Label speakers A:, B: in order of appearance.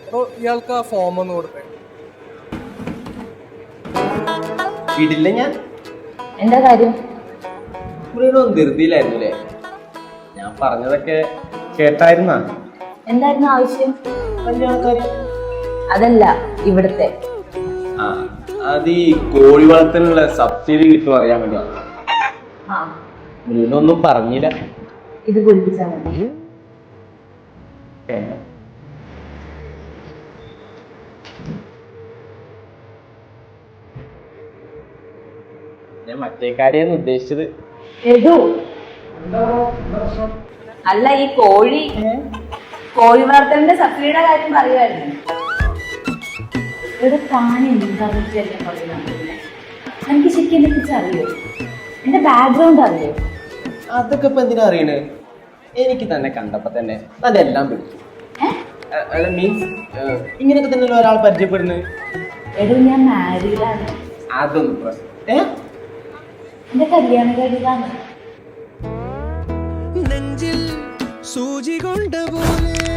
A: അപ്പോൾ ഇയാൾക്ക് ആ ഫോം ഒന്ന് കൊടുത്തേ.
B: ഇടില്ല ഞാൻ.
C: എന്താ കാര്യം?
B: ധൃതിയിലായിരുന്നു അല്ലേ? ഞാൻ പറഞ്ഞതൊക്കെ കേട്ടായിരുന്ന?
C: എന്തായിരുന്നു ആവശ്യം?
B: കല്യാണക്കാരി.
C: അതല്ല, ഇവിടുത്തെ.
B: ആ, അത് ഈ കോഴി വളർത്തലിനുള്ള സബ്സിഡി കിട്ടും അറിയാൻ വേണ്ടിയാണ്. മുരുകനൊന്നും പറഞ്ഞില്ല.
C: ഇത് കുളിപ്പിച്ചാൽ മതി.
B: ഞാൻ മറ്റേ കാര്യമാണ് ഉദ്ദേശിച്ചത്.
C: അല്ല, ഈ കോഴി വളർത്തലിന്റെ സബ്സിഡിയുടെ കാര്യം പറയുമായിരുന്നു. ഇവിടെ താൻ എന്താണെന്ന് പറയുന്നത്? എനിക്ക് ശരിക്കും എന്നെ കുറിച്ച് അറിയോ? എന്റെ ബാക്ക്ഗ്രൗണ്ട് അറിയോ?
B: അതൊക്കെ ഇപ്പൊ എന്തിനാ അറിയണേ? എനിക്ക് തന്നെ കണ്ടപ്പോ തന്നെ അതെല്ലാം പിടിച്ചു. അല്ല, മീൻസ് ഇങ്ങനെയൊക്കെ തന്നെ ഒരാൾ പരിചയപ്പെടുന്നത്.
C: എടോ, ഞാൻ മാരീഡാണ്.
B: അതൊന്നും പ്രശ്നം.
C: എന്റെ കല്യാണം കഴിഞ്ഞതാണ്.
D: നെഞ്ചിൽ സൂചി കൊണ്ട പോലെ